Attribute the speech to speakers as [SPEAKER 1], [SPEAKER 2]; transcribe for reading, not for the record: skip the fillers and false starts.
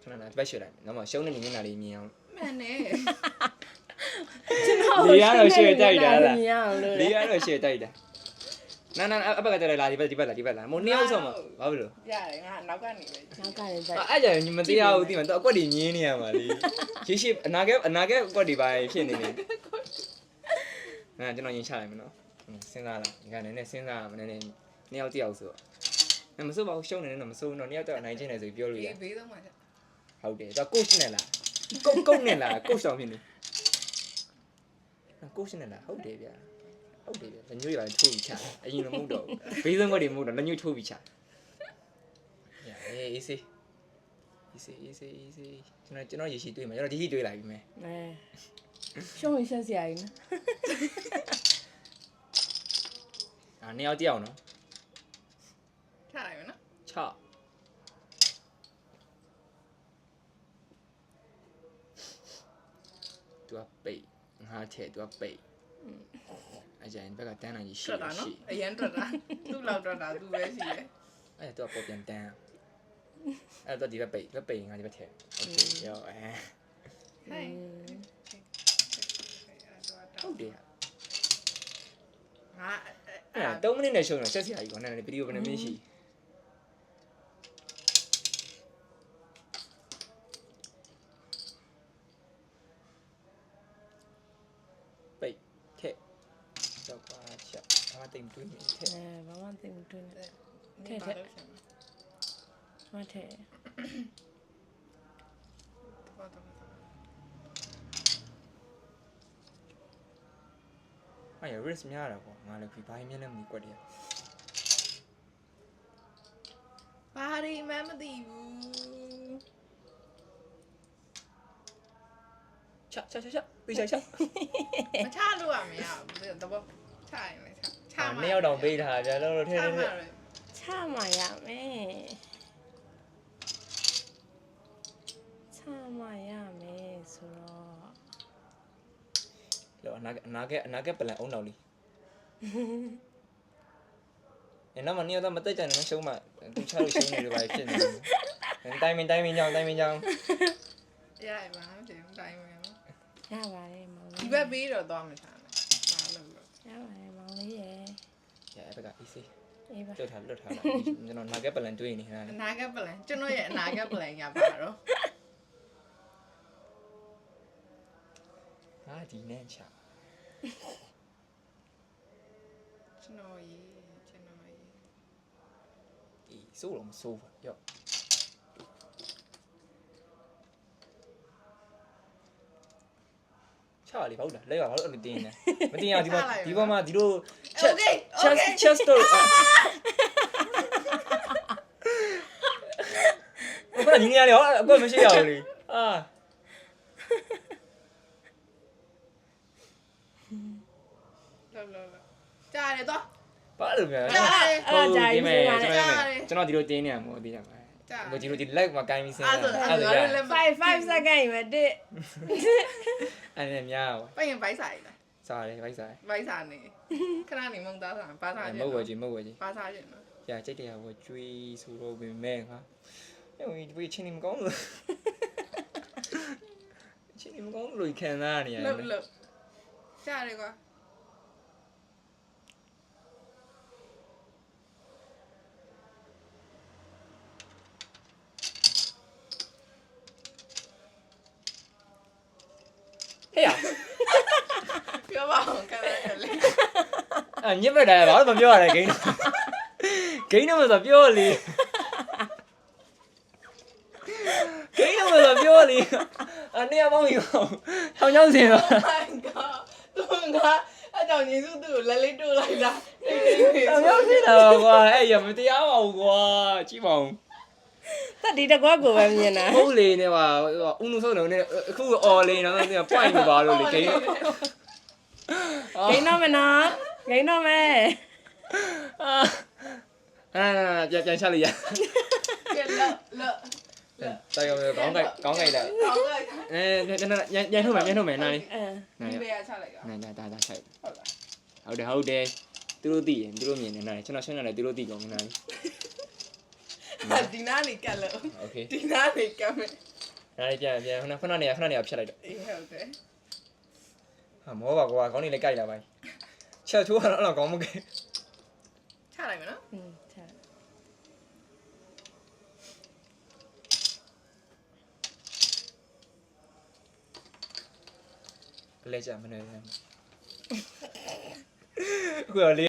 [SPEAKER 1] Cho nên là bắt sửa lại nó mà xấu nên như nào đi nhiều
[SPEAKER 2] mẹ nè
[SPEAKER 1] lý á rồi sửa tay đó là lý á rồi sửa tay đó nè apa kata là đi bắt một neo xong mà bao nhiêu
[SPEAKER 2] dạ đấy ngà nấu cái này
[SPEAKER 3] Nào cái này vậy.
[SPEAKER 1] à giờ nhưng mà tí ao tí mà tao có đi nhí nè mà đi chỉ ship anh cái có đi bài phiền này nè cho nó nhìn sai mà nó xem ra là cái này xem ra mà này neo tiêu rồi nằm số bao show này nằm số nó neo tiêu này trên này rồi biểu rồi
[SPEAKER 2] ví dụ mà
[SPEAKER 1] hậu để tao coach này là coach này là coach sao mình coach này là hậu để là như vậy thu bị chả anh nó mua đồ ví dụ có đi mua đồ nó như thu bị chả easy cho nó gì xí tươi mà cho nó chỉ tươi lại mẹ
[SPEAKER 3] Nè. Xong rồi sao xài nữa.
[SPEAKER 1] à neo tiêu nó
[SPEAKER 2] cha này nó
[SPEAKER 1] chọ tua bể hai thẻ tua bể ai giờ anh phải cái tên này gì xí
[SPEAKER 2] trật nó ấy anh trật ra lúc lâu trật ra tu về gì đấy
[SPEAKER 1] ai tua bộ tiền tên ai tua đi bể ngay đi thẻ ok rồi
[SPEAKER 2] hay
[SPEAKER 1] không được
[SPEAKER 2] à
[SPEAKER 1] tao mới này show này chắc gì hay còn này video bên này gì bể thẻ cho qua chợ mà tìm túi mình thẻ
[SPEAKER 3] Nè, bà mang tìm tôi nè.
[SPEAKER 2] thế thế
[SPEAKER 3] Mà thế.
[SPEAKER 1] ai ở riskများတာပေါ့ငါလည်းဒီဘိုင်းမြင်းနဲ့မကွက်တယ်
[SPEAKER 2] ba đi má mà đi
[SPEAKER 1] ချက်ပြီးချက်
[SPEAKER 2] mà cha luôn à mẹ à bây giờ tao bảo cha này cha
[SPEAKER 1] နှစ်ယောက်တောင်ပေးထားကြလို့ထဲ
[SPEAKER 2] cha
[SPEAKER 1] ထဲ
[SPEAKER 2] mà rồi
[SPEAKER 3] ချမှာရမယ်ချမှာရမယ်ဆိုတော့
[SPEAKER 1] လို့အနာကပလန်အောင်တော်လေးအဲ့တော့မနှစ်ယောက်တော့မတက်ကြနဲ့ရှုံးမှသူချလို့ရှုံးနေတယ်ပါဖြစ်နေတယ်တိုင်းမင်းကြောင်း
[SPEAKER 2] ya mà nó chỉ không tay mà
[SPEAKER 3] ရပါတယ်မောင်လေး
[SPEAKER 2] ဒီဘက်ပေးတော့သွားမှာစားမယ်ဘာလို့လဲ
[SPEAKER 3] ရပါတယ်မောင်လေးရယ်
[SPEAKER 1] ရအဲ့ဘက်က easy
[SPEAKER 3] အေးပါ
[SPEAKER 1] လွတ်ထားကျွန်တော်နာကပလန်တွေးနေဟာ
[SPEAKER 2] အနာဂတ်ပလန်ကျွန်တော်ရဲ့အနာဂတ်ပလန်ရပါတော့
[SPEAKER 1] ဟာဒီနဲ့ချာ
[SPEAKER 2] ကျွန်တော်ရေး
[SPEAKER 1] ဒီစိုးတော့မစိုးဘူးရော့ချာလေးဘာလို့လဲလဲဘာလို့အဲ့လိုတင်းနေမတင်းအောင်ဒီပေါ်မှာဒီလို chest တော့ဘာလဲညီနေရလေဟောအကွက်မရှိရဘူးလေအာ
[SPEAKER 2] လောကြားရတယ်တော့
[SPEAKER 1] ဘာလို့လဲ
[SPEAKER 2] ကြားရတယ်
[SPEAKER 3] အဲ့ဒါကြာပြီဆိုပါလေ
[SPEAKER 1] ကျွန်တော်ဒီလိုတင်းနေရမို့သိကြပါဘူးဒီလိုဒီ leg မှာကိုင်းပြီးစင်း
[SPEAKER 2] အဲ့ဒါအဲ့ဒါလည်း
[SPEAKER 3] 5 second ပဲတစ်
[SPEAKER 1] အဲ့ဒါများပါ
[SPEAKER 2] ပိုင်ဘိုက်စားရည်
[SPEAKER 1] စားတယ်ဗိုက်စား
[SPEAKER 2] ဘိုက်စားနေခဏနေမုံသားစားပါစား
[SPEAKER 1] မဟုတ်ဝဲကြီး
[SPEAKER 2] ပါစားခြင်းနော်
[SPEAKER 1] ။ကြာကြိတ်တရားဝကျွေးဆိုတော့ပင်မဲ့ဟာ။အဲ့ဒီချင်းနေမကောင်းလို့ချင်းနေမကောင်းလို့ခံစားနေရတယ်
[SPEAKER 2] လို့ကြားရတယ်ကွာ
[SPEAKER 1] ဟဲ့ရ
[SPEAKER 2] ပြောပါအောင်ခဏလေး
[SPEAKER 1] ညစ်မဲ့တယ်ဘာလို့မပြောရလဲဂိမ်းဂိမ်းတော့မဆိုပြောလေဂိမ်းတော့မဆိုပြောလေအနေရမောင်းယူထောင်ချောင်းစင်တော့
[SPEAKER 2] သူကအဲ့ကြောင့်ညီစုသူ့ကိုလက်လေးတို့လိုက်တာ
[SPEAKER 1] ထောင်ချောင်းစင်တော့ကွာအဲ့ရမတရားပါဘူးကွာကြည့်ပါဦး
[SPEAKER 3] သက်ဒီတကွက်ကိုပဲမြင်တာ
[SPEAKER 1] ဟုတ်လေနေပါဦးနုဆုံးတော့နေအခုအော်လေးတော့သူက point ကိုပါလို့လေဂိမ်း
[SPEAKER 3] ဂိမ်းတော့မနော်ဂိမ်းတော့မယ်
[SPEAKER 1] ပြန်ချလိုက်ရ
[SPEAKER 2] ကဲလော
[SPEAKER 1] တော်ရောကောင်းကြိုက်လာ
[SPEAKER 2] ကောင်းလိုက်
[SPEAKER 1] ညထုတ်မယ်နားလေး
[SPEAKER 2] ဒီဘေးကချလိုက်တာ
[SPEAKER 1] ဒါဆိုင်
[SPEAKER 2] ဟုတ်လား
[SPEAKER 1] ဟုတ်တယ်သူတို့သိရင်သူတို့မြင်နေနားလေးကျွန်တော်ရှင်းရတယ်သူတို့သိကောင်းနားလေး
[SPEAKER 2] ဒီနားနေကတ်လို့
[SPEAKER 1] โอเค
[SPEAKER 2] ဒီနားနေကတ်မယ်
[SPEAKER 1] ဒါလေးပြန်ခဏနေဖြတ်လိုက်တော့
[SPEAKER 2] အေးဟုတ်တယ်
[SPEAKER 1] ဟာမောပါကွာခေါင်းလေးလည်းကြိုက်လာပါချက်ချိုးကတော့အဲ့လောက်ကောင်းမကဲ
[SPEAKER 2] ချလိုက်မယ်နော်
[SPEAKER 3] อืมချာ
[SPEAKER 1] လဲကြမနေအခုတော့